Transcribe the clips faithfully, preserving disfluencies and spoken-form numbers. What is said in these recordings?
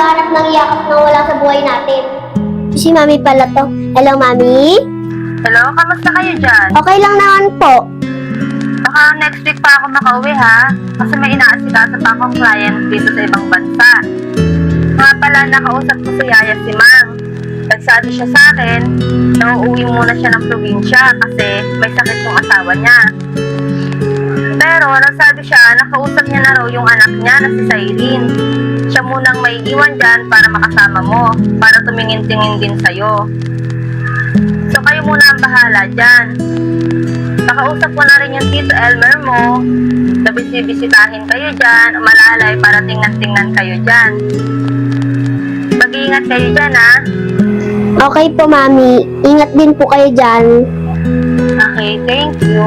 naghahanap ng yakap na wala sa buhay natin. Si Mami pala to. Hello, Mami? Hello, kamusta kayo dyan? Okay lang naman po. Baka next week pa ako makauwi ha, kasi may inaasikaso pa akong client dito sa ibang bansa. Nga pala, nakausap ko si Yaya si Mang. Nagsabi siya sa akin na uuwi muna siya ng probinsya kasi may sakit yung asawa niya. Pero nagsabi siya, nakausap niya na raw yung anak niya na si Cyrene. Siya munang may iwan dyan para makasama mo, para tumingin-tingin din sa'yo. So kayo muna ang bahala dyan. Nakausap ko na rin yung Tito Elmer mo, na bisibisitahin kayo dyan, umalalay para tingnan-tingnan kayo dyan. Mag-iingat kayo dyan ha. Okay po, Mami. Ingat din po kayo dyan. Okay, thank you.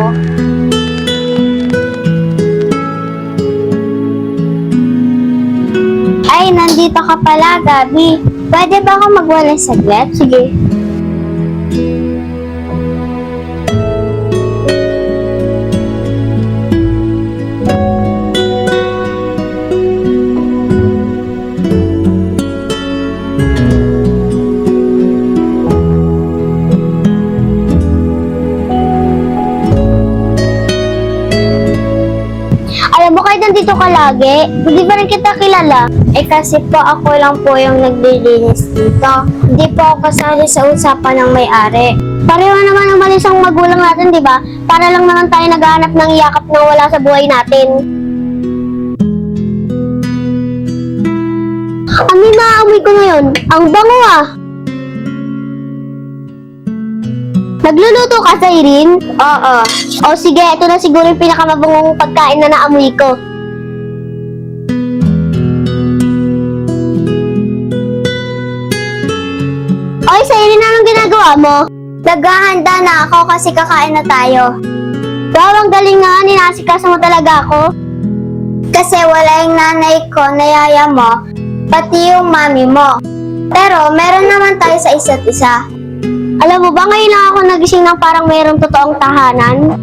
Ay, nandito ka pala, Gabi. Pwede ba ako magwala saglit? Sige. Alam mo kahit nandito ka lagi, hindi pa rin kita kilala. Eh kasi po ako lang po yung naglilinis dito. Hindi po ako kasali sa usapan ng may-ari. Pareho naman umalis ang magulang natin, di ba? Para lang naman tayo naghahanap ng yakap na wala sa buhay natin. Ano yung naaamoy ko ngayon? Ang bango ah! Nagluluto ka, Cyrene? Oo. O sige, ito na siguro yung pinakamabangong pagkain na naamoy ko. Oy, Cyrene, anong ginagawa mo? Naghahanda na ako kasi kakain na tayo. Wow, ang galing nga, ninasikaso mo talaga ako. Kasi wala yung nanay ko na yaya mo, pati yung mami mo. Pero meron naman tayo sa isa't isa. Alam mo ba, ngayon lang ako nagising ng parang mayroong totoong tahanan?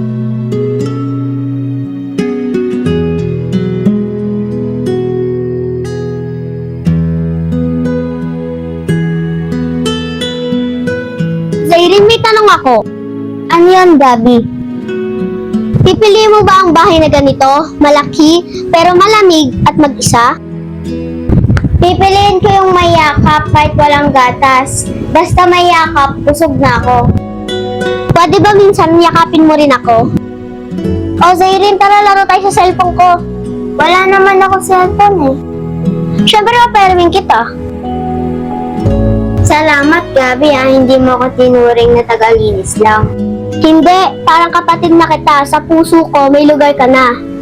Cyrene, may tanong ako. Ano yan, Gabi? Pipiliin mo ba ang bahay na ganito? Malaki, pero malamig at mag-isa? Pipiliin ko yung may yakap kahit walang gatas. Basta may yakap, busog na ako. Pwede ba minsan yakapin mo rin ako? O Cyrene, tara laro tayo sa cellphone ko. Wala naman ako cellphone eh. Siyempre mapairaming kita. Salamat, Gabi ah, hindi mo ako tinuring na tagalinis lang. Hindi, parang kapatid na kita. Sa puso ko, may lugar ka na.